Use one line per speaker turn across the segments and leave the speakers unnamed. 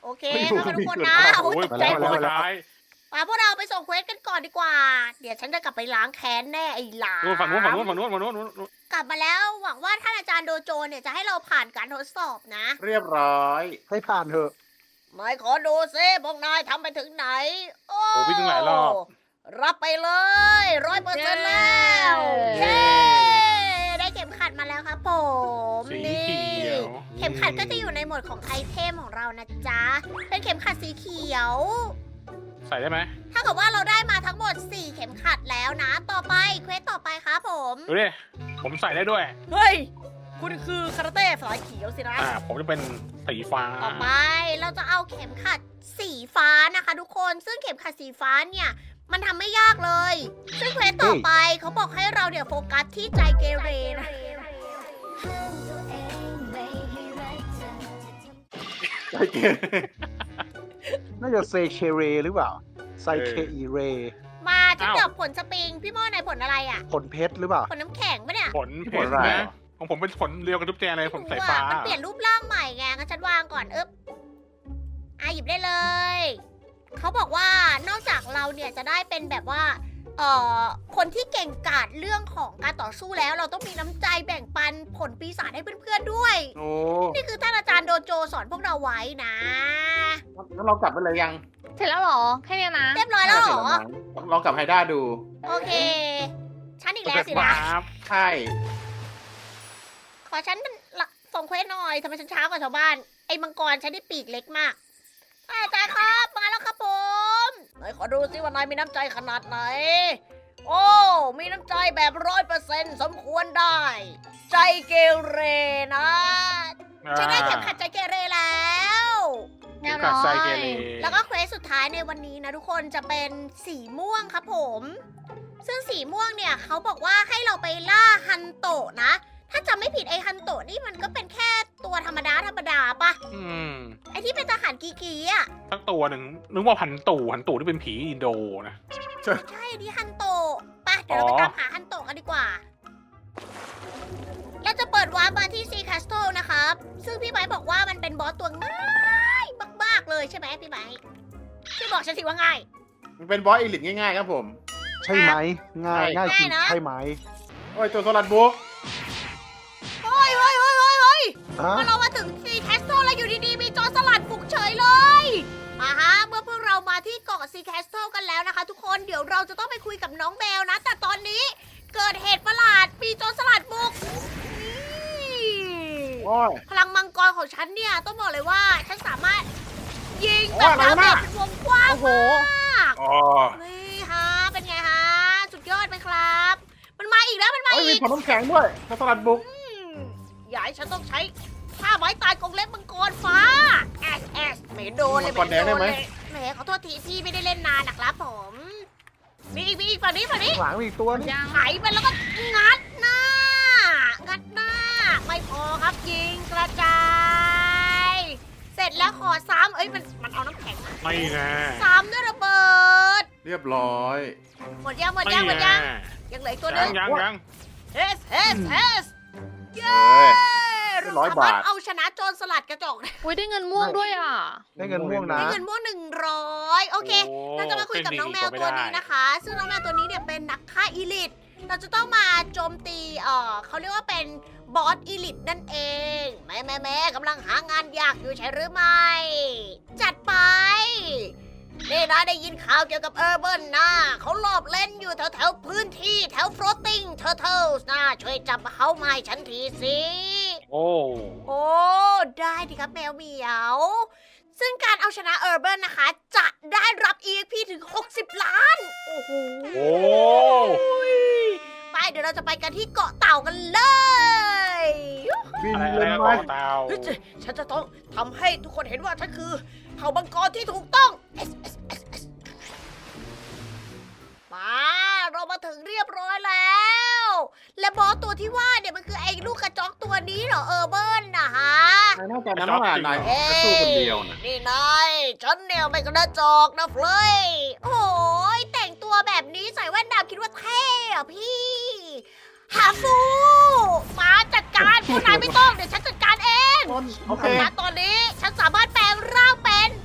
โอเคค่อยๆทุกคนนะโอ้ยตกใจหมด
ร้าย
มาพวกเราไปส่งเควสกันก่อนดีกว่า เดี๋ยวฉันจะกลับไปล้างแค้นแน่ไอ้หลา
นู่นฝั่งนู้นฝั่งนู้นฝั่งนู้นฝั่งนู้นฝั่งนู้น
กลับมาแล้วหวังว่าท่านอาจารย์โดโจเนี่ยจะให้เราผ่านการทดสอบนะ
เรียบร้อย
ให้ผ่านเถอะ
นายขอดูซิพวกนายทำไปถึงไหน โอ้
โอ้วิ่งตั้งหลายรอบ
รับไปเลย100%แล้ว
เย้
เย้ได้เข็มขัดมาแล้วครับผม
สี
นี่
เขียว
เข็มขัดก็จะอยู่ในหมวดของไอเทมของเรานะจ๊ะ เป็นเข็มขัดสีเขียว
ใส่ได้ไหม
ถ้ากับว่าเราได้มาทั้งหมด 4 เข็มขัดแล้วนะ ต่อไปเควสต่อไปครับผม
ดูดิผมใส่ได้ด้วย
เฮ้ย คุณคือคาราเต้สายเขียวสินะ
ผมจะเป็นสีฟ้า
ต่อไปเราจะเอาเข็มขัดสีฟ้านะคะทุกคน ซึ่งเข็มขัดสีฟ้าเนี่ยมันทำไม่ยากเลย ซึ่งเควสต่อไปเขาบอกให้เราเดี๋ยวโฟกัสที่ใจเกเรนะ
ใจเย็น
น่าจะเซเคเรหรือเปล่าไซเคอีเร
มาจะจับผลสปริง พี่โม่ในผลอะไรอ่ะ
ผลเพชรหรือเปล่า
ผลน้ำแข็งปะเนี่ย
ผลเพชรนะของผมเป็นผลเรียวกับทุกแจเลยผลสายฟ้า
มันเปลี่ยนรูปร่างใหม่ไงงั้นฉันวางก่อนหยิบได้เลย เขาบอกว่านอกจากเราเนี่ยจะได้เป็นแบบว่า คนที่เก่งกาจเรื่องของการต่อสู้แล้ว เราต้องมีน้ำใจแบ่งปันผลปีศาจให้เพื่อนๆด้วย
โอ้
นี่คือท่านอาจารย์โดโจสอนพวกเราไว้นะ
งั้นเรากลับไปเลยยัง
เสร็จแล้วเหรอ แค่เนี้ยนะ
เรียบร้อยแล้วเหรอ
ลองกลับไฮด้าดู
โอเค ฉันอีกแล้วสินะ
ใช่
ขอฉันส่งเควสหน่อยทำไมฉันช้ากว่าชาวบ้าน ไอ้มังกรฉันได้ปีกเล็กมากอาจารย์ครับมาแล้วครับผมไหนขอดูซิว่านายมีน้ำใจขนาดไหน โอ้ มีน้ำใจแบบ100%สมควรได้ ใจเกเรนะฉันได้เข็มขัดใจเกเรแล้ว
เรียบ
กั
ร้
ด
อ
ใส่
ย
เกเร
แล้วก็เควสสุดท้ายในวันนี้นะทุกคนจะเป็นสีม่วงครับผม ซึ่งสีม่วงเนี่ยเขาบอกว่าให้เราไปล่าฮันโตะนะ ถ้าจำไม่ผิดไอฮันโตะนี่มันก็เป็นแค่ตัวธรรมดาปะ
ม
ไอที่เป็นทหารกีอ่ะ
สักตัวหนึ่งนึกว่าพันตู่ที่เป็นผีอินโดนะ
ใช่อันนี้ฮันโตะไปเดี๋ยวเราไปตามหาฮันโตะกันดีกว่า เราจะเปิดวาร์ปมาที่ซีคาสโตนะครับ ซึ่งพี่ไบร์ทบอกว่ามันเป็นบอสตัวง่ายมากๆเลยใช่ไหมพี่ไบร์ทช่วยบอกฉันสิว่าง่าย
มันเป็นบอสอีลิทง่ายๆครับผม
ใช่ไหมง่าย
ใช่
ง่ายจริง
ง่ายนะ
ใช่ไหม
โอ้ยตัวโซลัดบุ๊ก
เฮ้ย
ฮะ
เมื่อเรามาถึงซีแคสโตแล้วอยู่ดีๆมีโจรสลัดบุกเฉยเลย เมื่อพวกเรามาที่เกาะซีแคสโตกันแล้วนะคะ ทุกคนเดี๋ยวเราจะต้องไปคุยกับน้องแมวนะ แต่ตอนนี้เกิดเหตุประหลาดมีโจรสลัดบุกนี่
โอ้ย
พลังมังกรของฉันเนี่ยต้องบอกเลยว่าฉันสามารถยิงแบบ
โอ้ยอะไร
ดาว
วะน่ะ
เป็นวงกว้าง
โอ้โห
มาก
อ๋อ
นี่ฮะเป็นไงฮะสุดยอดไหมครับ มันมาอีกแล้วมันมา
โอ้ยมี
อีก
ผลน้ำแข็งด้วยตัวโซลัดบุ๊ก
อย่าให้ฉันต้องใช้ท่าไม้ตายกรงเล็บมังกรฟ้าไม่โดนเลยไม่โดนเลยแหมขอโทษทีพี่ไม่ได้เล่นนานนะครับผมมีอีกฝั่งนี้
หลังมีอีกตัวนี่
ยัง
ไถมันแล้วก็งัดหน้า ไม่พอครับยิงกระจาย เสร็จแล้วขอซ้ำมันเอาน้ำแข็งมา
ไม่ไง
ซ้ำด้วยระเบิด
เรียบร้อย
หมดยัง
ไม่ไง
ยังเหลืออีกตัวหนึง
ยัง
เฮสเย้
เอ้ย
เรา
100
สามารถ
บาท
เอาชนะโจรสลัดกระจกได้
อุ้ยได้เงินม่วงด้วยอ่ะ
ได้เงินม่วงนะ
ได้เงินม่วง100โอเค เราจะมาคุยกับน้องแมวตัวนี้นะคะ ซึ่งน้องแมวตัวนี้เนี่ยเป็นนักฆ่าอีลิทเราจะต้องมาโจมตีเขาเรียกว่าเป็นบอสอีลิทนั่นเองแม่กำลังหางานยากอยู่ใช่หรือไม่ จัดไปนี่นะได้ยินข่าวเกี่ยวกับเออร์เบิร์นนะเขาลอบเล่นอยู่แถวพื้นที่แถว floating turtles นะช่วยจับเขามาให้ฉันทีสิ
โอ้
โอ้ ได้ดิครับแมวเหมียว ซึ่งการเอาชนะเออร์เบิร์นนะคะ จะได้รับ EXP ถึง 60 ล้าน โอ้โห
โอ้
ไปเดี๋ยวเราจะไปกันที่เกาะเต่ากันเลย
บิน
อะไร
เลย
นะ
ไหม
เกาะเตา
เฮ้ยฉันจะต้องทำให้ทุกคนเห็นว่าฉันคือเผ่ามังกรที่ถูกต้อง มาเรามาถึงเรียบร้อยแล้ว และบอสตัวที่ว่าเนี่ยมันคือไอ้ลูกกระจอกตัวนี้เหรอเออร์เบิร์นนะฮะ
นายน่าจะนั้นว่านาย
เฮ้
จะสู้คนเดียวนะ
นี่นายฉันเนี่ยไม่กระจอกนะเฟลยโอ้ยแต่งตัวแบบนี้ใส่แว่นดำคิดว่าเท่อะพี่หาฟูมาจัดการพวกนายไม่ต้องเดี๋ยวฉันจัดการเอง
โอเค
ณตอนนี้ฉันสามารถแปลงร่างเป็น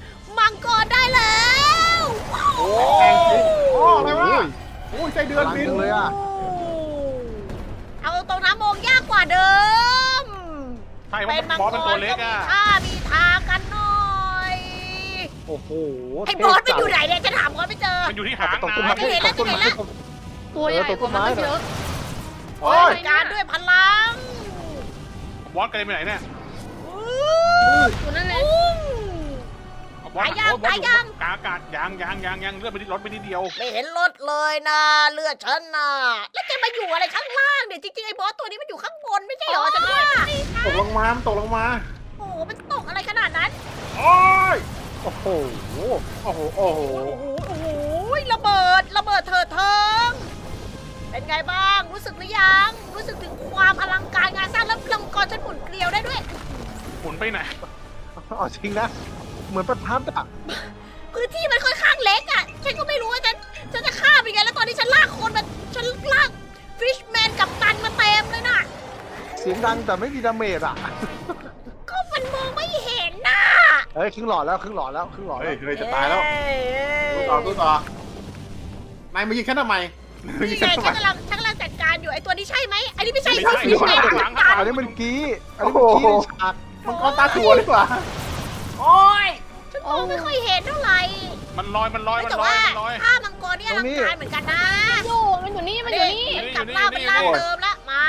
เดือนบิน
พลังจังเลยอ่ะ
เอาตรงน้ำมองยากกว่าเดิม
ใช่เพ
เป็
ราะ
นมัง
บอส
ก
เป็นตัว
ร
เล็
ก็
ก
มี
อ่ะ
ท่ามีทางกันหน่อย
โอ้โห
ไอ้บอสมันอยู่ไหนเนี่ยจะถามบอสไม่เจอ
มันอยู่ที่หาง
ตกต้น
นะ
ไม้
เห็นแล้ว
ตกต้นไม้
เห็นแล้ว
ตัวใหญ่กว่ามันตั้งเยอะ
โอ้ย
จัดการด้วยพลัง
บอสกระเด็นไปไหนเนี่ย
ตัวนั่นเลย
ปุ้ง
บอส
ตายยัง
โอ้บอส
ตายยัง
กลางอากาศยังเลือดไปนิดรถไปนิดเดียว
ไม่เห็นรถเลยนะเลือดฉันน่ะแล้วแกมาอยู่อะไรข้างล่างเนี่ยจริงๆไอ้บอสตัวนี้มันอยู่ข้างบนไม่ใช่เหรอฉันว่า
ตกลงมามันตกลงมา
โอ้โหมันตกอะไรขนาดนั้น
โอ้ย
โอ้โห
โอ้โห โอ้โห
โอ้โหโอ้โหระเบิดเถิดเทิงเป็นไงบ้างรู้สึกหรือยังรู้สึกถึงความอลังการงานสร้างแล้วลำกรฉันหมุนเกลียวได้ด้วย
หมุนไปไหน
เอาจริงนะ เหมือนประทัดอ่ะ
พื้นที่มันค่อนข้างเล็กอ่ะฉันก็ไม่รู้ว่าฉันจะฆ่าเป็นไงแล้วตอนนี้ฉันลากคนมาฉันลากฟิชแมนกับตันมาเต็มเลยน่ะ
เสียงดังแต่ไม่มีดาเมจอ่ะ
ก็มันมองไม่เห็นน่ะ
เฮ้ยครึ่งหลอดแล้วครึ่งหลอดแล้วครึ่งหลอด
เฮ้
แล้
ยว เฮ้ยจะตายแล้วสู้ต่อสู้ต่อนายมายิงฉันทำไมมายิ
นี่
ง
ไง
ฉันทำไม
ฉันกำลังจัดการอยู่ไอ้ตัวนี้ใช่ไหมไอ้นี่ไม่ใช่
ไม่ใช่
ฟิชแมน
ข้างหลังข้างหลัง
อันนี้มันกี้อันนี้มันกี้ในฉาก
มันก้อนตาถั่วดีกว่า
โอ้ยฉันมองไม่ค่อยเห็นเท่าไหร่
มันลอย
แต่ว่าถ้ามังกรนี่อลังการเหมือนกันนะ
มันอยู่นี่ มันอยู่นี่
กลับร่างเป็นร่างเดิมละมา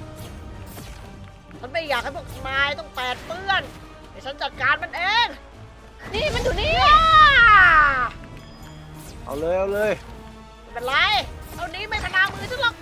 ฉันไม่อยากให้พวกนายต้องแปดเปื้อนเดี๋ยวฉันจัดการมันเอง
นี่มันอยู่นี่
เอาเลยเอาเลย
ไม่เป็นไรเท่านี้ไม่ขนามือฉันหรอก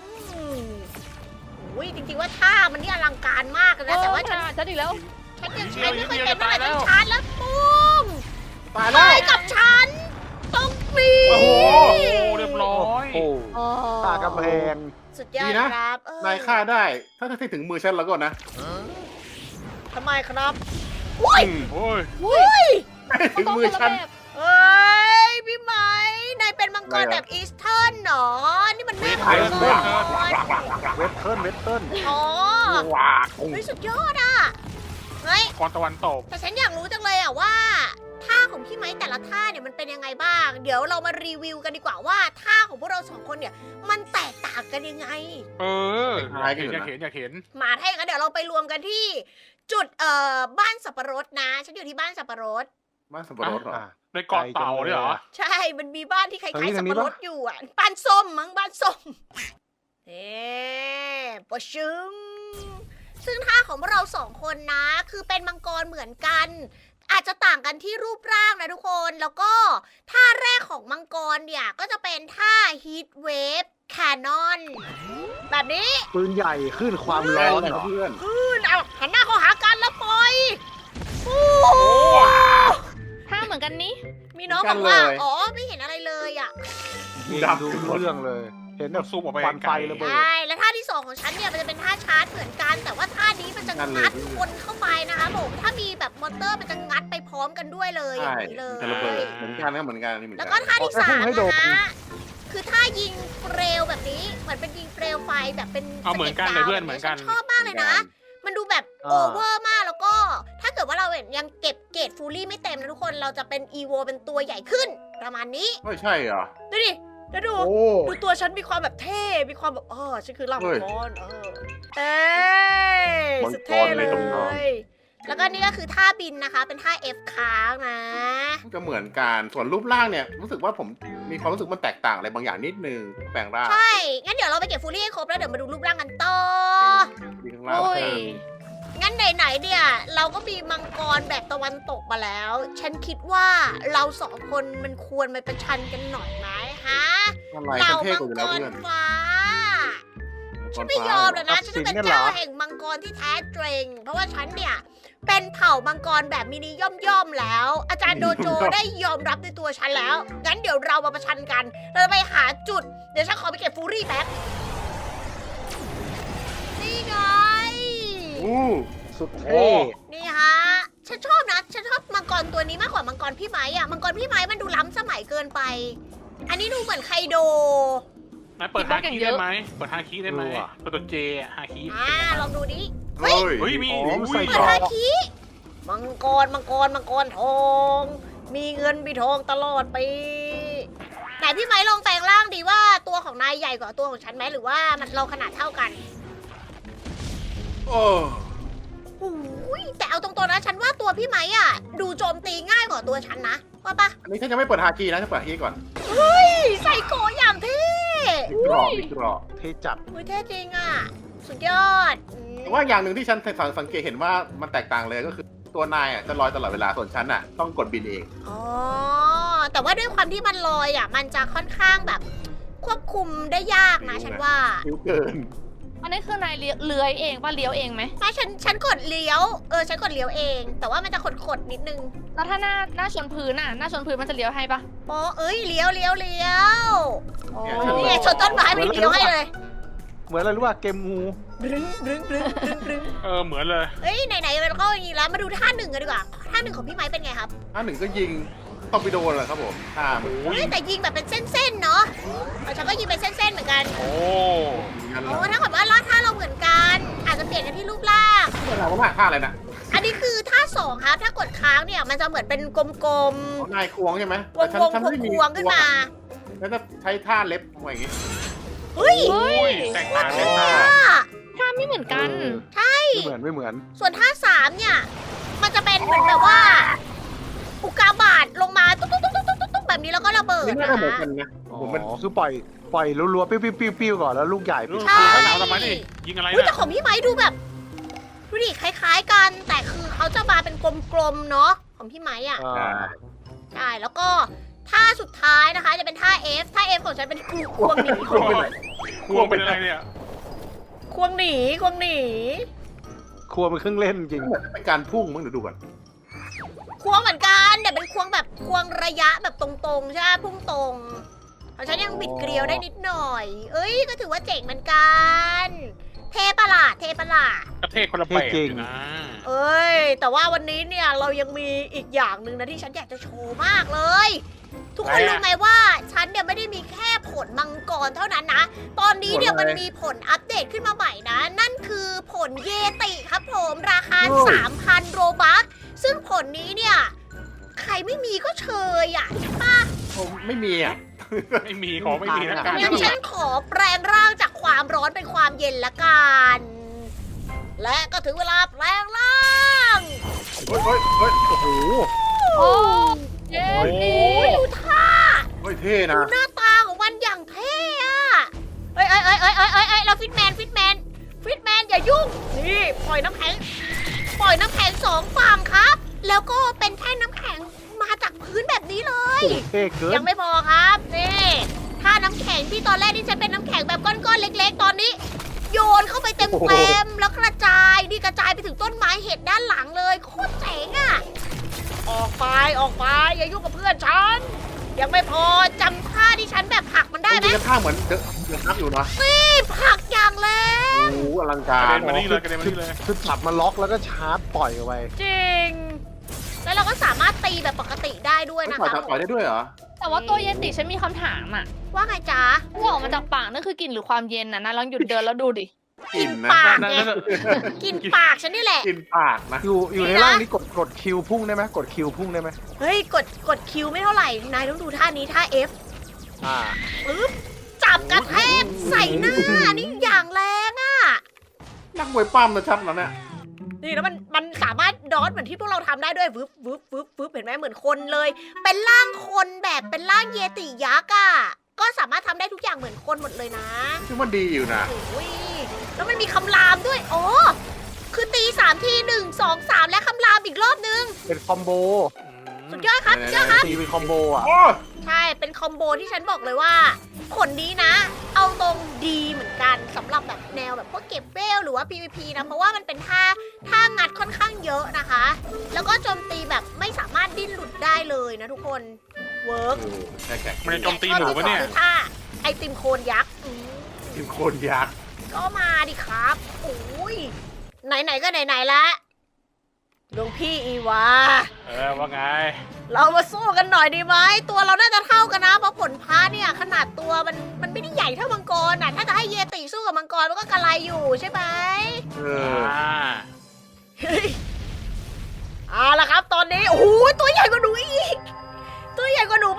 อุ้ยจริงๆว่าท่ามันนี่อลังการมากเลยนะแต่ว่าฉัน
ฉันอีกแล้ว
ยังใช้ไม่ค่อยเป็นเท่าไหร่ต้องชาร์จแล้วปุ้ม
ตาย
ไป
แล้ว
กับฉันต้องมี
โอ้โหเรียบร้อย
โอ้โหตากำแพง
สุดยอดครับเ
นายฆ่าได้ ถ้าถึงมือฉันแล้วก็นะ
ทำไมครับอุ้ย
โอ้ย
อุ้ย
ถึงมือฉัน
เฮ้ยพี่ไหมนายเป็นมังกรแบบอีสเทิร์นเหรอนี่มันแม่มังกร
เวทเทิร์นเวทเทิร์น
อ๋อ
ว้า
เฮ้ยสุดยอดอ่ะเฮ้ย
ก่อนตะวันตก
แต่ฉันอยากรู้จังเลยอ่ะว่าท่าของพี่ไม้แต่ละท่าเนี่ยมันเป็นยังไงบ้าง เดี๋ยวเรามารีวิวกันดีกว่าว่าท่าของพวกเราสองคนเนี่ยมันแตกต่างกันยังไง
เอออยากเห็น
มาถ้าอย่างนั้นเดี๋ยวเราไปรวมกันที่จุดบ้านสับปะรดนะ ฉันอยู่ที่บ้านสับปะรด
บ้านสับปะรดเหรอ
ในเกาะเต่าเนี่ยเหรอ
ใช่ มันมีบ้านที่คล้ายๆสับปะรดอยู่อ่ะบ้านส้มมั้งบ้านส้มเอ๊ปะชึงซึ่งท่าของพวกเราสองคนนะ คือเป็นมังกรเหมือนกัน อาจจะต่างกันที่รูปร่างนะทุกคน แล้วก็ท่าแรกของมังกรเนี่ยก็จะเป็นท่า Heat Wave Cannon แบบนี้
ปืนใหญ่ขึ้นความ
ร้
ร้
อ
อน น
เหรอเพื่อน
เอาหันหน้าเข้าหากันแล้วปล่อยโอ้
ถ้าเหมือนกันนี้
มีน้องบอกว่า อ๋อ ไม่เห็นอะไรเลยอ่ะ
ยิงดูเรื่องเลย เห็นแบ
มั
บ
นซูมออกไป
ควันไฟ
ไกล
ระเบิด
ใช่ แล้วท่าที่สองของฉันเนี่ยมันจะเป็นท่าชาร์จเหมือนกัน แต่ว่าท่านี้มันจะงัดคนเข้าไปนะคะผม ถ้ามีแบบมอเตอร์มันจะงัดไปพร้อมกันด้วยเลยอ
ใช่
ย่างนี้เลย
จะระเบิดเหมือนกันนะเหมือนกันนี่เหมือน
แล้ว
กั
ก็
น
ท่าที่สาม
ให้โดน
นะคะคือท่ายิงเปลวแบบนี้ เหมือนเป็นยิงเปลวไฟแบบเป็น
เอาเหมือนกันเลยเพื่อนเหมือนกัน
ฉัชอบมากเลยนะ มันดูแบบโอเวอร์มากแล้วก็ ถ้าเกิดว่าเรายังเก็บเกรดฟูลี่ไม่เต็มนะทุกคน เราจะเป็นอีโวเป็นตัวใหญ่ขึ้น ประมาณนี้
ไม่ใช่เหรอ
ดูดิแล้วดู
โอ้
ดูตัวฉันมีความแบบเท่ มีความแบบฉันคือล่างมังกรเอ้ย
มังกร
สุดเท่เล
ในตำนาน
ย แล้วก็นี่ก็คือท่าบินนะคะ เป็นท่า F ค้างนะ
มันจะเหมือนกันส่วนรูปร่างเนี่ยรู้สึกว่าผมมีความรู้สึกมันแตกต่างอะไรบางอย่างนิดนึงแปลงร่าง
ใช่ งั้นเดี๋ยวเราไปเก็บฟูลี่ให้ครบแล้วเดี๋ยวมาดูรูปร่างกันต่อ
มีข้างล่าง
โอ้ย
เพิ่ม
งั้นไหนๆเนี่ย เราก็มีมังกรแบบตะวันตกมาแล้ว ฉันคิดว่าเราสองคนมันควรมาประชันกันหน่อยไหมฮะ
อะไร
เหล่า
ฉันเท่
มั
กว่าอยู่แล้ว
กร
เพื่อน
ฟ้า ฉันไม่
ฟ้าย
อมเลยนะ ฉันจะเป็นเจ้าแห่งมังกรที่แท้จริง เพราะว่าฉันเนี่ย เป็นเผ่ามังกรแบบมินิย่อมๆแล้ว อาจารย์โดโจได้ยอมรับในตัวฉันแล้ว งั้นเดี๋ยวเรามาประชันกัน เราจะไปหาจุด เดี๋ยวฉันขอไปเก็บฟูรี่แป๊บ นี่ไง
อู้
สุด
โอ้
เท่
นี่ฮะ ฉันชอบนะ ฉันชอบมังกรตัวนี้มากกว่ามังกรพี่ไม้อะมังกรพี่ไม้มันดูล้ำสมัยเกินไป อันนี้ดูเหมือนไคโด
นายเปิดฮาคีได้ไหมเปิดฮาคีได้ไหมเปิดตัวเจฮาคี
ลองดูดิ
เฮ้ย
เฮ้ยมี
อ๋อมันใส่
เปิ
ก
ด
รอ
ฮาก คิมังกรทอง มีเงินมีทองตลอดไปไหนนพี่ไม้ลองแปลงร่างดีว่าตัวของนายใหญ่กว่าตัวของฉันไหมหรือว่ามันเราขนาดเท่ากัน
โอ้
โอ้ยแต่เอาตรงๆนะฉันว่าตัวพี่ไม้อ่ะดูโจมตีง่ายกว่าตัวฉันนะว่าปะ
อันนี้ฉันยังไม่เปิดฮาคีนะฉันเปิดฮาคีก่อน
ใส่โกอย่างเท่
มีกรอบมีกรอบ
เทจัด
อุ้ยเท่จริงอ่ะสุดยอด
แต่ว่าอย่างหนึ่งที่ฉันสังเกตเห็นว่ามันแตกต่างเลยก็คือตัวนายอ่ะจะลอยตลอดเวลาส่วนฉันอ่ะต้องกดบินเอง
อ๋อแต่ว่าด้วยความที่มันลอยอ่ะมันจะค่อนข้างแบบควบคุมได้ยากนะฉันว่า
คิ้วเกิน
อันนี้คือนายเลื้อยเองป่ะเลี้ยวเองไหม
ไม่ฉันกดเลี้ยวฉันกดเลี้ยวเอง แต่ว่ามันจะขดนิดนึง
แล้วถ้าหน้าชนพื้นน่ะหน้าชนพื้นมันจะเลี้ยวให้ป่ะ
อ๋อเลี้ยว
โอ้
นี่ไงชนต้นไม้ไม่เลี้ยวให้เลย
เหมือนอะไรรู้ป่ะเกมงู
รึงรึงรึงรึงรึง
เหมือนเลย
เฮ้ยไหนๆเราก็อย่างนี้แล้วมาดูท่าหนึ่งกันดีกว่าท่าหนึ่งของพี่ไม้เป็นไงครับ
ท่าหนึ่งก็ยิงตอร์ปิโดเลยครับผมท่ามัน
เฮ้ยแต่ยิงแบบเป็นเส้นๆเนาะฉันก็ยิงเป็นเส้นๆเหมือนกัน
โอ้
งั้น
โอ้
แล้ว
ถ้ากับว่าท่าเราเหมือนกัน อาจจะเปลี่ยนกันที่รูปร่าง
เราก็มาท่าอะไรนะ
อันนี้คือท่าสองครับ ถ้ากดค้างเนี่ยมันจะเหมือนเป็นกลม
เอานายควงใช่ไหม
ๆ วงๆควงๆขึ้นมา
แล้วจะใช้ท่าเล็บอะไรอย่างงี้
เฮ้ย
โอ้ยแตกต่างเลยนะ
ท่าไม่เหมือนกัน
ไม่เหมือน
ส่วนท่าสามเนี่ย มันจะเป็นเหมือนแบบว่า อุกกาบาตลงมาตุ๊กๆๆๆแบบนี้แล้วก็ระเบิด
นี่
นะ
น่าจะเหมือน
คะ
กันนะ
อ๋
ผมมัน
อคือปล่อยรัวๆปิ้วๆก่อนแล้วลูกใหญ่
รู้
ปิ้ว
คือเขาหนาวทำไมดิยิงอะไร
อุ้ย
นะ
แต่ของพี่ไม้ดูแบบดูดิคล้ายๆกัน แต่คือเขาจะมาเป็นกลมๆเนาะของพี่ไม้อ่ะ ใช่ แล้วก็ท่าสุดท้ายนะคะ จะเป็นท่า F ท่า F ของฉันเป็นควงหนี
ควงไปไหน
ควงเป็นอะไรเนี่ย
ควงหนี
ครัวเป็นเครื่องเล่นจริง
เหมือนเป็นการพุ่งมั้งเดี๋ยวดูก่อน
ควงเหมือนกันแต่เป็นควงแบบควงระยะแบบตรงๆใช่ไหมพุ่งตรงของฉันยังบิดเกลียวได้นิดหน่อย เอ้ยก็ถือว่าเจ๋งเหมือนกัน เทประหลาด
ประเทศคนละแบบอยู่นะ
เอ้ย แต่ว่าวันนี้เนี่ยเรายังมีอีกอย่างหนึ่งนะที่ฉันอยากจะโชว์มากเลย ทุกคนรู้ไหมว่าฉันเนี่ยไม่ได้มีแค่ผลมังกรเท่านั้นนะ ตอนนี้เนี่ยมันมีผลอัปเดตขึ้นมาใหม่นะ นั่นคือผลเยติครับผมราคา 3,000 โรบัคซึ่งผลนี้เนี่ย ใครไม่มีก็เชยอ่ะใช่ปะ
ผมไม่มีอ่ะ
ไม่มีของไม่มีนะการ
งั้นฉันขอแปลงร่างจากความร้อนเป็นความเย็นละกัน และก็ถึงเวลาแปลงร่าง
เฮ้ย
โอ้โห
โอ้เย้
โอ้
ดี
ยดูท่า
เฮ้ยเท่
ดู
นะ
หน้าตาของมันอย่างเท่อะเอ้ยเราฟิตแมนอย่ายุ่ง นี่ปล่อยน้ำแข็งสองฝั่งครับ แล้วก็เป็นแท่งน้ำแข็งมาจากพื้นแบบนี้เลย
เท่เกิน
ยังไม่พอครับ นี่ถ้าน้ำแข็งที่ตอนแรกที่ฉันเป็นน้ำแข็งแบบก้อนๆเล็กๆ ตอนนี้ โยนเข้าไปเต็มๆแล้วกระจายนี่กระจายไปถึงต้นไม้เห็ดด้านหลังเลยโคตรเจ๋งอะออกไปอย่ายุ่งกับเพื่อนฉัน ยังไม่พอจำท่าที่ฉันแบบผลักมันได้ไหม
มีกระท่าเหมือนเดือดนักอยู่นะ
นี่ผลักอย่างแรง
โอ้โหอลัง
ก
การ
ระเด็นมานี่เลยกระเด็นมานี่เลย
คือจับมาล็อกแล้วก็ชาร์จปล่อยออกไป
จริง แล้วเราก็สามารถตีแบบปกติได้ด้วยนะ
ปล่อย
คะ
ปล่อยได้ด้วยเหรอ
แต่ว่าตัวเยติฉันมีคำถามอ่ะ
ว่าไงจ๊ะ
ที่ออกมาจากปากนั่นคือกลิ่นหรือความเย็นน่ะนะลองหยุดเดินแล้วดูดิ
กินนะ
ปาก
นั่น
ไง
นั่น
กินปากฉันนี่แหละ
กินปากนะ
อยู่ในร่างนี้กดคิวพุ่งได้ไหมกดคิวพุ่งได้ไหม
เฮ้ยกดคิวไม่เท่าไหร่ นายต้องดูท่านี้ท่า F
อ่า
ปึ๊บจับกระแทกใส่หน้านี่อย่างแรงอ่ะ
นักมวยปั้มนะชัดแล้วเนี่ย
นี่แล้วมันสามารถดอทเหมือนที่พวกเราทำได้ด้วยวึบเห็นไหมเหมือนคนเลย เป็นร่างคนแบบเป็นร่างเยติยักษ์อ่ะ ก็สามารถทำได้ทุกอย่างเหมือนคนหมดเลยนะ
ซึ่งมันดีอยู่นะ
โอ้ยแล้วมันมีคำรามด้วย อ๋อ คือตี3 ที 1 2 3 และคำรามอีกรอบนึง
เป็นคอมโบ
สุดยอดครับสุดยอดครับ
ตีเป็นคอมโบอ่ะ
โอ้
ใช่ เป็นคอมโบที่ฉันบอกเลยว่า ผลนี้นะ เอาตรงดีเหมือนกันสำหรับแบบแนวแบบพวกเก็บเวลหรือว่า PVP นะ เพราะว่ามันเป็นท่างัดค่อนข้างเยอะนะคะ แล้วก็โจมตีแบบไม่สามารถดิ้นหลุดได้เลยนะทุกคน เวิร์ก
แค่แขก
มันจะโจมตีหมูปะเนี่ย
คือท่าไอติมโคนยักษ์
กินโคนยักษ์
ก็มาดิครับ โอ้ย ไหนๆก็ไหนๆละหลวงพี่อีวา
ว่าไง
เรามาสู้กันหน่อยดีไหม ตัวเราน่าจะเท่ากันนะ เพราะผลพระเนี่ยขนาดตัวมันไม่ได้ใหญ่เท่ามังกรน่ะ ถ้าจะให้เยติสู้กับมังกรมันก็กระไรอยู่ใช่ไหม
เอ
เฮ้ยเอาละครับ ตอนนี้ โอ้โหตัวใหญ่กว่าหนูอีก ตัวใหญ่กว่าหนูปะเนี่ย
ทำไม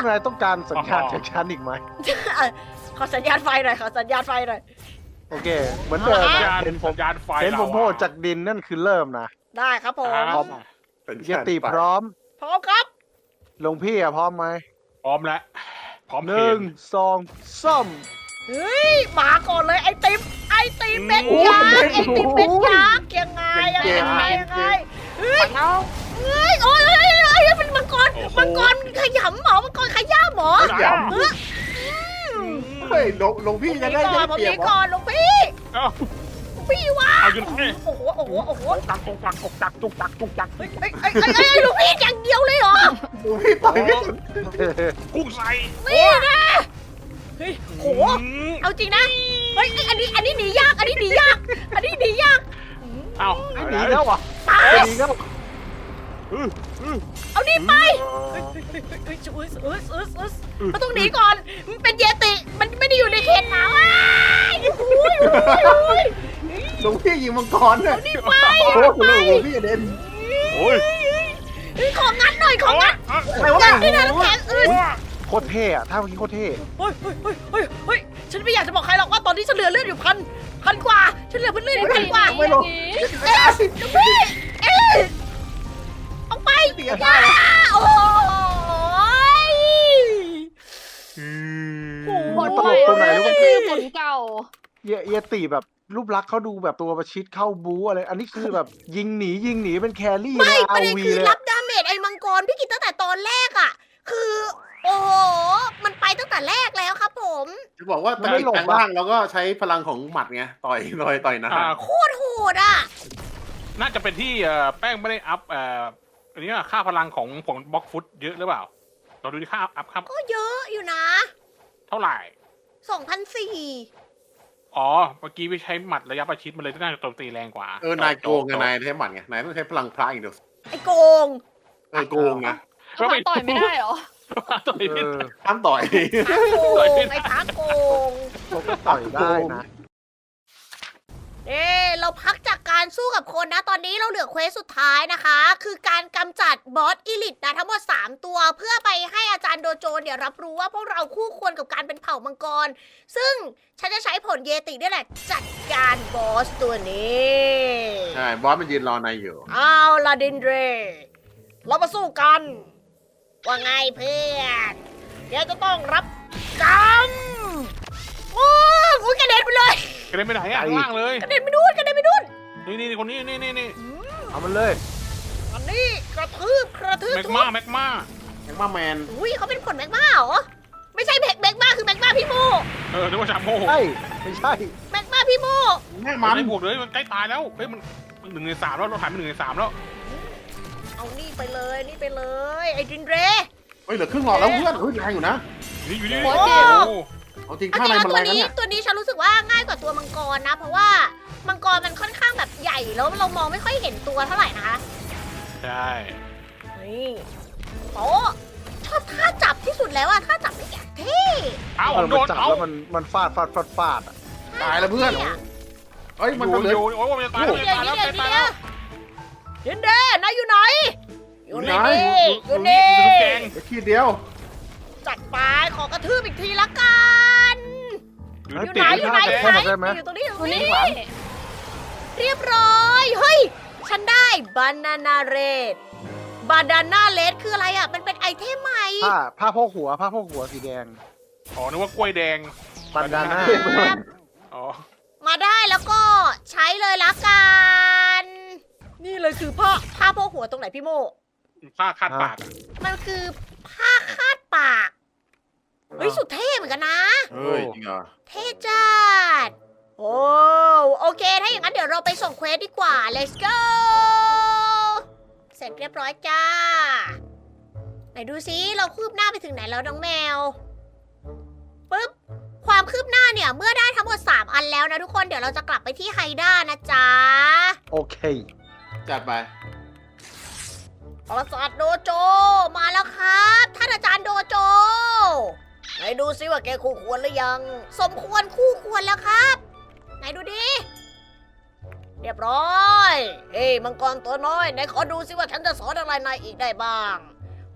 นายต้องการสัญญาณจากฉันอีกไหม
ขอสัญญาณไฟหน่อยขอสัญญาณไฟหน่อย
โอเค เหมือนเดิม
สัญ
นะ
ญาณ
เห็นผม
สัญญาณไฟ
เห็นผม
รา
โผล่จากดินนั่นคือเริ่มนะ
ได้ครับผม
อ่า
พร้อม เยติพร้อม
พร้อมครับ
หลวงพี่อะพร้อมไหม
พร้อมแล้วพร้อม
หนึ่งสองสาม
เฮ้ยมาก่อนเลยไอติมเม็ดยักษ์ไอติมเม็ดยักษ์ยังไงยังไงยังไงเฮ้ยเฮ้ยโอ้ยเป็นมังกรขยำหมอมังกรขย้ำหมอ
หยำเฮ้ยหลวงพี่จะได้
ผม
เปรีย
นี
บ
ก่อนหลวงพี่
เอ้า
พี่วะ
เอาอยู่ไหน
โอ้โห
จักจักจักจักจักจักจัก
เฮ้ยหลวงพี่อย่างเดียวเลยเหรอ
หลวงพี่ต่อยไม่ถึง
กุ้งใส่
นี่นะเฮ้ยโหเอาจริงนะเฮ้ยอันนี้หนียากอันนี้หนียาก
เอ้า
หนีแล้วอ่ะ
ตาย
หนีแล้ว
เอานี่ไปมันต้องหนีก่อนมันเป็นเยติมันไม่ได้อยู่ในเขตหนาวอุ้ย
หลวงพี่ยิงมังกรเนี่ย
นี่ไป
โอ้โหหลวงพี่กระเด็น
โอ้ย
ของงัดหน่อยของงัด
อะไรวะ
ที่นั่นน้ำแข็งอื่น
โคตรเท่อะถ้าเมื่อกี้โคตรเท่
เฮ้ยฉันไม่อยากจะบอกใครหรอกว่าตอนนี้ฉันเหลือเลือดอยู่พันกว่าฉันเหลือเลือดอยู่พันกว่า
ไม่ลง
พี่เอาไป
เสียได้เลย
โอ้ย
ผลใหม่ก็คือผลเก่า
เยติแบบรูปลักษณ์เขาดูแบบตัวประชิดเข้าบู๊อะไร อันนี้คือแบบยิงหนีเป็นแครี่
ไม่
ใน
ป
อา
ระเด็น
วี
คือ
เลย
รับดาเมจไอ้มังกรพี่กิตตั้งแต่ตอนแรกอ่ะ คือ โอ้โห มันไปตั้งแต่แรกแล้วครับผม
จะบอกว่าตอนนี้แปลงร่างเราก็ใช้พลังของหมัดไงต่อยนะ
โคตรโหดอ่ะ
น่าจะเป็นที่แป้งไม่ได้อัพอันนี้ค่าพลังของผลบล็อกฟุตเยอะหรือเปล่าเราดูที่ค่าอัพครับ
ก็เยอะอยู่นะ
เท่าไหร่
2,400
อ๋อเมื่อกี้ไปใช้หมัดระยะประชิดมันเลยน่าจะโจมตีแรงกว่า
นายโกงไงนายใช้หมัดไงนายต้องใช้พลังพระอย่างเดียว
ไอ้โกง
โกงนะ
ต่อยไม่ได้เหรอ
ต่อยไม่
เอ
ได้
อ
ห้ามต่อย
พระโกง ไอ้พระโกง
เขาก็ต่อยได้นะ
เราพักจากการสู้กับคนนะ ตอนนี้เราเหลือเควสสุดท้ายนะคะ คือการกำจัดบอสอีลิทนะทั้งหมด3ตัว เพื่อไปให้อาจารย์โดโจเนี่ยรับรู้ว่าพวกเราคู่ควรกับการเป็นเผ่ามังกร ซึ่งฉันจะใช้ผลเยตินี่แหละ จัดการบอสตัวนี้
ใช่ บอสมันยืนรอนายอยู่
เอาลาดินเดร เรามาสู้กัน ว่าไงเพื่อนเดี๋ยวจะต้องรับกรรมโอ้ยกระเด็นไปเลย
กระเด็นไปไหนอ่ะข้างล่างเลย
กระเด็นไปนู่นกระเด็นไปนู่น
นี่คนนี้นี่
เอามันเลย
อันนี้กระทืบ
แม็ก
ทุ
มา
บ
แม็กมา
แม็กมาแมน
อุ้ยเขาเป็นผลแมกมาเหรอ ไม่ใช่แมกมาคือแมกมาพี่โม
นึกว่าชาโม่
ใช่ ไม่ใช่
แมกมาพี่โม
แม่
มั
มัน น
ไม่บวกเลยมันใกล้ตายแล้วเฮ้ยมัน1 ใน 3แล้วเราหายไป1 ใน 3แล้ว
เอานี่ไปเลยนี่ไปเลย ไอ้ดินเร
เฮ้ยเหลือครึ่งหลอดแล้วเพื่อนเฮ้ยแรงอยู่นะ
อยู่นี่
โอ้
โอ้
เจ็บ
เอาจริง
เอา
ข้าง
จ
ใน
ริง
มัน
ๆ
แร
ตัว
งนะ
นี้
เนี่ย
ตัวนี้ฉันรู้สึกว่าง่ายกว่าตัวมังกรนะ เพราะว่ามังกรมันค่อนข้างแบบใหญ่แล้วเรามองไม่ค่อยเห็นตัวเท่าไหร่นะคะ
ใช่
นี่โอ้ชอบท่าจับที่สุดแล้วอะท่าจับนี่อย่างเท่
เอ้า
มัน
โดน
จับ
เอ้า
แล้วมันฟาดอะ
ตายแล้วเพื่อน เฮ้ย มันก็เหลือ
อยู่โอ้ยมันจะตายแล้ว
นี่
จะ
เดียว
ตาย
นี่
แล้ว
เดียว
จะตาย แล้ว
นี่เดียวนายอยู่ไหน อยู่นี่อยู่
นี่
นี่
แกง
เหลือขีดเดียว
จัดไปขอกระทืบอีกทีละกัน อยู่ไหนอยู่ไหนอยู่ไหน
ได้ไหม
อยู่ตรงนี้อยู่ตร
วัน
ง
นี้
นี้เรียบร้อยเฮ้ยฉันได้บานานาเรดบานาน่าเลดคืออะไรอ่ะมันเป็นไอเทมใหม่
ผ้าโพกหัวสีแดง
อ๋อนึกว่ากล้วยแดง
ปันดาน่า
ครับ
อ๋อ
มาได้แล้วก็ใช้เลยละกันนี่เลยคือผ้าโพกหัวตรงไหนพี่โม
ผ้าคาดปากอะ
มันคือผ้าคาดปากเฮ้ยสุดเท่เหมือนกันนะ
เฮ้ย จริงเหรอ
เท่จัดโอ้โอเค ถ้าอย่างนั้นเดี๋ยวเราไปส่งเควสดีกว่า let's go เสร็จเรียบร้อยจ้า ไหนดูซิเราคืบหน้าไปถึงไหนแล้วน้องแมวปึ๊บ ความคืบหน้าเนี่ยเมื่อได้ทั้งหมด3อันแล้วนะทุกคน เดี๋ยวเราจะกลับไปที่ไฮด้านะจ๊ะ
โอเค
จัดไป
อาจารย์โดโจ มาแล้วครับท่านอาจารย์โดโจไหนดูซิว่าแกคู่ควรหรือยัง สมควรคู่ควรแล้วครับ ไหนดูดิ เรียบร้อย เฮ้ยมังกรตัวน้อยไหนขอดูซิว่าฉันจะสอนอะไรนายอีกได้บ้าง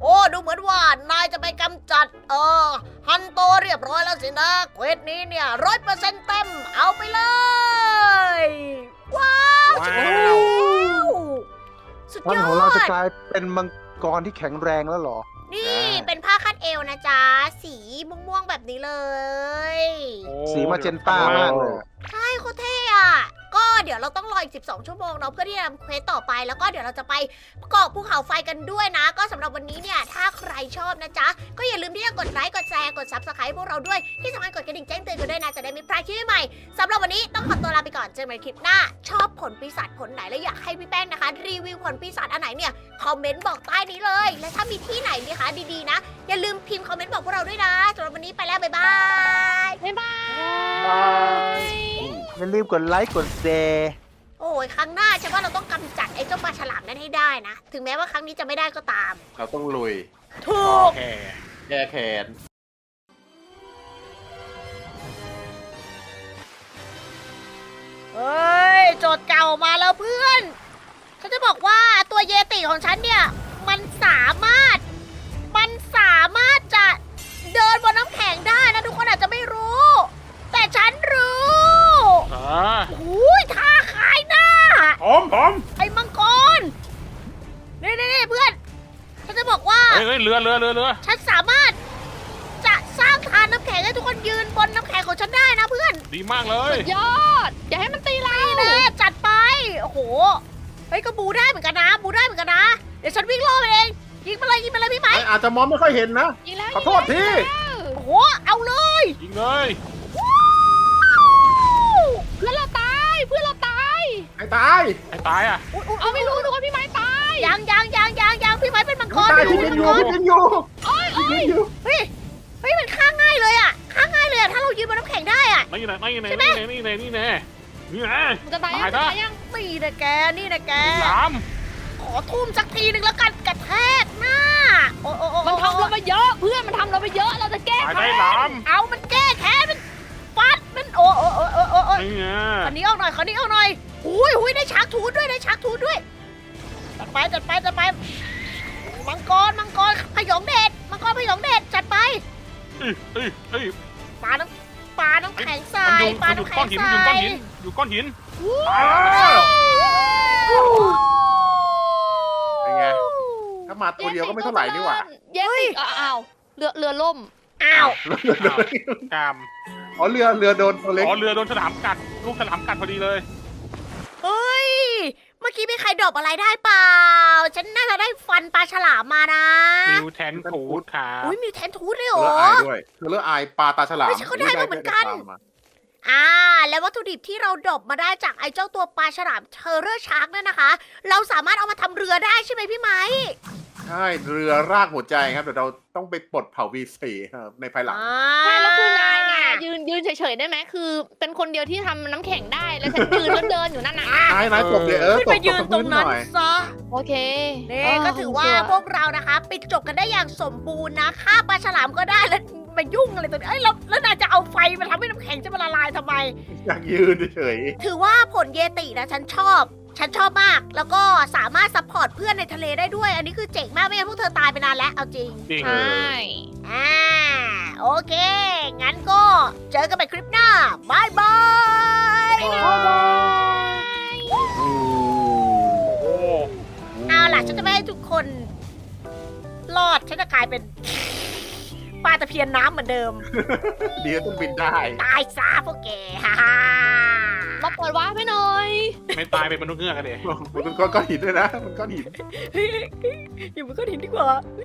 โอ้ดูเหมือนว่านายจะไปกำจัดฮันโตเรียบร้อยแล้วสินะเควสนี้เนี่ย100%เต็มเอาไปเลย ว้าวฉันได้แล้วสุด
ท่าน
ยอ
ของเราจะ
ด
กลายเป็นมังกรที่แข็งแรงแล้วเหรอ
นี่เป็นผ้าคาดเอวนะจ๊ะ สีม่วงๆแบบนี้เลย
โอ้
สีมาเจนต้ามากเลย
ใช่โคตรเท่อะก็เดี๋ยวเราต้องรออีก 12 ชั่วโมงเนาะเพื่อที่จะทำเควสต่อไปแล้วก็เดี๋ยวเราจะไปเกาะภูเขาไฟกันด้วยนะ ก็สำหรับวันนี้เนี่ยถ้าใครชอบนะจ๊ะ ก็อย่าลืมที่จะกดไลค์กดแชร์กด Subscribe พวกเราด้วยที่สำคัญกดกระดิ่งแจ้งเตือนกันด้วยนะจะได้ไม่พลาดคลิปใหม่ๆสำหรับวันนี้ต้องขอตัวลาไปก่อนเจอกันใหม่คลิปหน้า ชอบผลปีศาจผลไหนและอยากให้พี่แป้งนะคะ รีวิวผลปีศาจอันไหนเนี่ยคอมเมนต์บอกใต้นี้เลย และถ้ามีที่ไหนนะคะดีๆนะ อย่าลืมพิมพ์คอมเมนต์บอกพวกเราด้วยนะสำหรับวันนี้ไปแล้วบ๊ายบาย
บ๊ายบาย
อย่าลืมกดไลค์กดแชร์
โอ้ยครั้งหน้าฉันว่าเราต้องกำจัดไอ้เจ้าปลาฉลามนั้นให้ได้นะ ถึงแม้ว่าครั้งนี้จะไม่ได้ก็ตาม
เราต้องลุย
ถูก
แค่
แก้แค้น
เฮ้ย โจทย์เก่ามาแล้วเพื่อน ฉันจะบอกว่าตัวเยติของฉันเนี่ย มันสามารถจะเดินบนน้ำแข็งได้นะ ทุกคนอาจจะไม่รู้ แต่ฉันรู้ อุ้ยท่าขายหน้า
ผม
ไอ้มังกร นี่เพื่อน ฉันจะบอกว่า
เฮ้ยเรือ
ฉันสามารถจะสร้างทานน้ำแข็งให้ทุกคนยืนบนน้ำแข็งของฉันได้นะเพื่อน
ดีมากเลย
ยอด อย่าให้มันตีเรา
นี่แน่จัดไป โอ้โห เฮ้ยก็บูได้เหมือนกันนะ เดี๋ยวฉันวิ่งล่อมันเอง ยิงไปเลยพี่ไหม
อาจจะมองไม่ค่อยเห็นนะ
ยิงแล้ว
ขอโทษที
โอ้โห เอาเลย
ยิงเลย
เพื่อนเราตาย
ไอ้ตาย
ไอ้ตายอ่ะ
เอาไม่รู้ทุกคนพี่ไม้ตาย
ยังพี่ไหมเป็นมังกร
ตาย
ไม่
ที่
รู้
เป็น
มัง
อก ยู่
ร
ที่เป็นอยู่
เฮ้ยมันฆ่าง่ายเลยอะถ้าเรายืนบนน้ำแข็งได้อะ
นี่แน่
มันจะตาย
ตาย
ยัง
นะ
จะตายยัง
นี่นะแก
สาม
ขอทุ่มสักทีหนึ่งแล้วกันกระแทกหน้า โอ้
มันทำเราไปเยอะ เพื่อนมันทำเราไปเยอะ เราจะแก้
ตาย
แค้
ได้
น
สาม
เอามันแก้แค้นมันฟัดมันโอ้
นี่ไง
ขอนี้ออกหน่อยหุยได้ชักทูดด้วยจัดไปมังกรพยองเดชจัดไป
เอ้ย
ปลาน้ำแข็งใส่
มันอยู่ก้อนหินอยู่ก้อนหิน
เป็นไง ถ้ามาตัวเดียวก็ไม่เท่าไหร่นี่หว่า
เย็นสิอ้าวเรือล่ม
อ้าว
กาม
อ๋อเรือโดนตัวเล็ก
อ๋อเรือโดนฉลามกัดลูกฉลามกัดพอดีเลย
เฮ้ย เมื่อกี้มีใครดรอปอะไรได้เปล่า ฉันน่าจะได้ฟันปลาฉลามมานะ
มิวแทนทูดครับ
อุ้ยมีแทนทูดเลยเหร
เรือ
อ
อายด้วยเรืออายปลาตาฉลาม
เฮ้ยฉันก็ได้มาเหมือนกัน แล้ววัตถุดิบที่เราดรอปมาได้จากไอ้เจ้าตัวปลาฉลามเทอร์เรอร์ชาร์กเนี่ยนะคะ เราสามารถเอามาทำเรือได้ใช่ไหมพี่ไหม
ใช่เรือรากหัวใจครับเดี๋ยวเราต้องไปปลดเผา V4 ครับในภายหลัง
ใช่แล้วคือนายน่ะยืนเฉยๆได้ไหมคือ เป็นคนเดียวที่ทำน้ำแข็งได้แล้วฉันยืนแล้วเดินอยู่นั่นน่ะ
นายตบเลย
ขึ้น
ตบ
ไปยืนตรงนั้น
หน่อย
ซะ
โอเค
นี่ก็ถือว่าพวกเรานะคะปิดจบกันได้อย่างสมบูรณ์นะฆ่าปลาฉลามก็ได้แล้วมายุ่งอะไรตัวนี้เอ้ยแล้วนายจะเอาไฟมาทำให้น้ำแข็งจะมาละลายทำไม
อยากยืนเฉย
ถือว่าผลเยตินะฉันชอบมาก แล้วก็สามารถซัพพอร์ตเพื่อนในทะเลได้ด้วย อันนี้คือเจ๋งมากไม่งั้นพวกเธอตายไปนานแล้วเอาจริง
จริง
ใช่
โอเค งั้นก็เจอกันใหม่คลิปหน้าบายบาย
ๆ
โอ้
เอาล่ะฉันจะไม่ให้ทุกคนรอดฉันจะกลายเป็นปลาตะเพียนน้ำเหมือนเดิม
เดี๋ยวต้องบินได้
ตายซะพวกแกฮ่าฮ่า
มาเปิดวาร์ปให้หน่อย
ไม่ตายเป็นมนุษย์เงือกกันเลย
มันก้อนหินด้วยนะ มันก้อนหิน
อยู่บนก้อนหินดีกว่า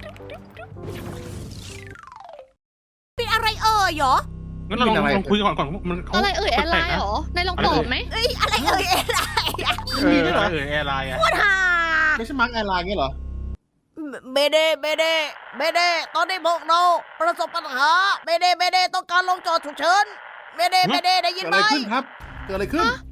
เป็นอะไรเอ่ยเหรอ
งั้นเราลองคุยก่อนมันเขา
อะไรแอร์ไลน์เหรอนายลองตอบไหม
เอ้ยอะไรเอ่ยอะไรอะ
มีด้วยเหรอแอร์ไลน์อ่ะ
โคตรฮ่า
ไม่ใช่มาร์กแอร์ไลน์เงี้ยเหรอ
เบเดตอนนี้พวกเราประสบปัญหาเบเดต้องการลงจอดฉุกเฉินเบเดได้ยิ
เกิ
น
ด
ไห
อะ
ม
ไรขึ้นครับ เกิดอะไรขึ้น